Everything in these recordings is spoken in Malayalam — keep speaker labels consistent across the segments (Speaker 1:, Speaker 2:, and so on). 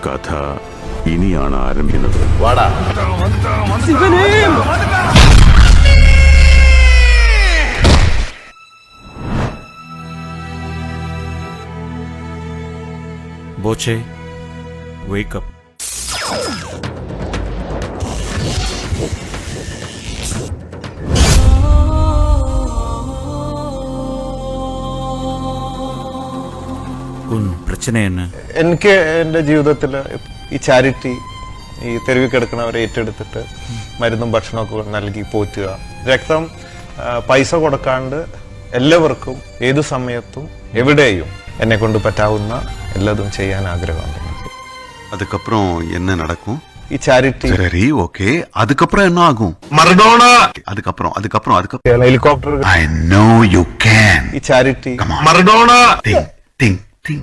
Speaker 1: കഥ ഇനിയാണ് ആരംഭിക്കുന്നത്.
Speaker 2: Boche, wake up. പ്രശ്നം என்ன?
Speaker 3: എനിക്ക് എൻ്റെ ജീവിതത്തിൽ ഈ ചാരിറ്റി, ഈ തെരുവിൽ കിടക്കുന്നവരെ ഏറ്റെടുത്തിട്ട് മരുന്നും ഭക്ഷണമൊക്കെ നൽകി പോറ്റുക, രക്തം പൈസ കൊടുക്കാണ്ട് എല്ലാവർക്കും ഏതു സമയത്തും എവിടെയും എന്നെ കൊണ്ട് പറ്റാവുന്ന എല്ലാതും ചെയ്യാൻ ആഗ്രഹമുണ്ട്.
Speaker 1: அதுக்கப்புறம் என்ன நடக்கும்?
Speaker 3: ഈ ചാരിറ്റി
Speaker 1: சரி, ஓகே. அதுக்கப்புறம் என்ன ஆகும்?
Speaker 3: മറഡോണ.
Speaker 1: அதுக்கப்புறம்
Speaker 3: helicopter.
Speaker 1: I know you can.
Speaker 3: ഈ ചാരിറ്റി
Speaker 1: മറഡോണ. Think.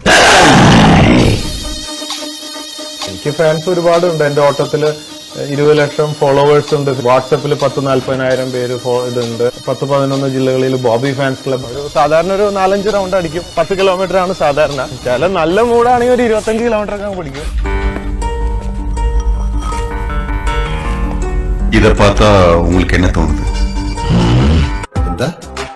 Speaker 3: എനിക്ക് ഫാൻസ് ഒരുപാടുണ്ട്. എന്റെ ഓട്ടത്തില് 20 ലക്ഷം ഫോളോവേഴ്സ് ഉണ്ട്. വാട്സപ്പിൽ 10-40,000 പേര് ഇതുണ്ട്. 10-11 ജില്ലകളിൽ ബോബി ഫാൻസ് ക്ലബ്. സാധാരണ ഒരു 4-5 റൗണ്ട് അടിക്കും. 10 കിലോമീറ്റർ ആണ് സാധാരണ. ചില നല്ല മൂടാണെങ്കിൽ ഒരു 25 കിലോമീറ്റർ ഒക്കെ പിടിക്കും.
Speaker 1: இத பார்த்தா உங்களுக்கு என்ன தோணுது? എന്താ?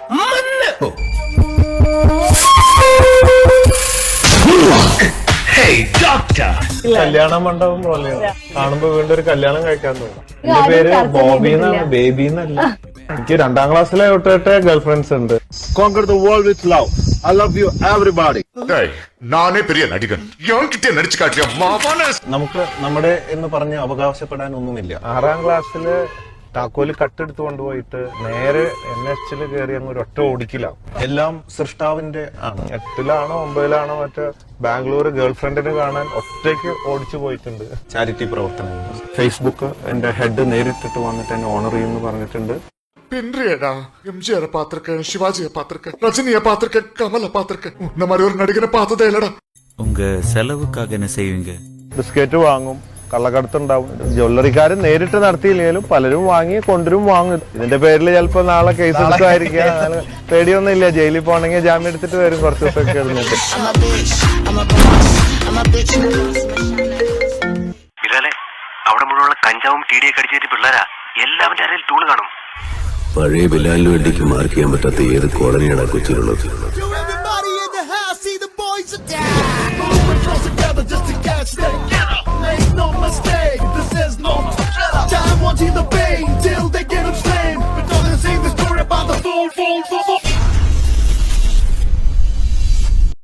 Speaker 3: കല്യാണ മണ്ഡപം പോലെയാണ്. കാണുമ്പോ വീണ്ടും ഒരു കല്യാണം കഴിക്കാൻ തോന്നും. എന്റെ പേര് ബോബി എന്നാണ്, ബേബി എന്നല്ല. എനിക്ക് 2ാം ക്ലാസ്സിലെ തൊട്ടിട്ട് ഗേൾ ഫ്രണ്ട്സ് ഉണ്ട്.
Speaker 4: Conquer the world with love. I love you everybody.
Speaker 5: നാനേ പെരിയ നടികൻ കിട്ടിയ നടിച്ചു കാട്ടിയ
Speaker 3: നമുക്ക് നമ്മുടെ എന്ന് പറഞ്ഞ് അവകാശപ്പെടാൻ ഒന്നുമില്ല. 6ാം ക്ലാസ്സില് താക്കോല് കട്ടെടുത്ത് കൊണ്ടുപോയിട്ട് നേരെ NH കയറി അങ്ങ് ഒരു ഒറ്റ ഓടിക്കിലാണ്. എല്ലാം സൃഷ്ടാവിന്റെ ആണ്. 8ലാണോ 9ലാണോ മറ്റേ ബാംഗ്ലൂർ ഗേൾ ഫ്രണ്ടിനെ കാണാൻ ഒറ്റയ്ക്ക് ഓടിച്ചു പോയിട്ടുണ്ട്. ചാരിറ്റി പ്രവർത്തനങ്ങൾ. ഫേസ്ബുക്ക് എന്റെ ഹെഡ് നേരിട്ടിട്ട് വന്നിട്ട് എന്നെ ഓണർ ചെയ്യുമെന്ന് പറഞ്ഞിട്ടുണ്ട്.
Speaker 5: பின்றியடா எம்ஜிஆரை பார்த்திருக்கேன், சிவாஜியை பார்த்திருக்கேன், ரஜினியை பார்த்திருக்கேன், கமலை பார்த்திருக்கேன். இந்த மாதிரி ஒரு நடிகனை பார்த்ததே இல்லடா.
Speaker 2: உங்க செலவுக்காக என்ன செய்வீங்க?
Speaker 3: ബിസ്ക്കറ്റ് വാങ്ങും, കള്ളക്കടത്തുണ്ടാവും. ജ്വല്ലറിക്കാരൻ നേരിട്ട് നടത്തിയില്ലെങ്കിലും പലരും വാങ്ങി കൊണ്ടുവരും വാങ്ങും. ഇതിന്റെ പേരിൽ ചിലപ്പോ നാളെ കേസ് എടുക്കുമായിരിക്കാം. പേടിയൊന്നും ഇല്ല. ജയിലിൽ പോകണമെങ്കിൽ ജാമ്യം എടുത്തിട്ട് വരും കുറച്ച് ദിവസമൊക്കെ ഇരുന്നിട്ട്.
Speaker 6: അവിടെ മുഴുവൻ കഞ്ചാവും TD അടിച്ചേറ്റ് പിള്ളേരാ. എല്ലാവരുടെ അരയിൽ ടൂള് കാണും.
Speaker 7: പഴയ ബിലാലിന് വേണ്ടിക്ക് മാർക്ക് ചെയ്യാൻ പറ്റാത്ത ഏത് കോളനിയാണ് കൊച്ചിയിലുള്ളത്?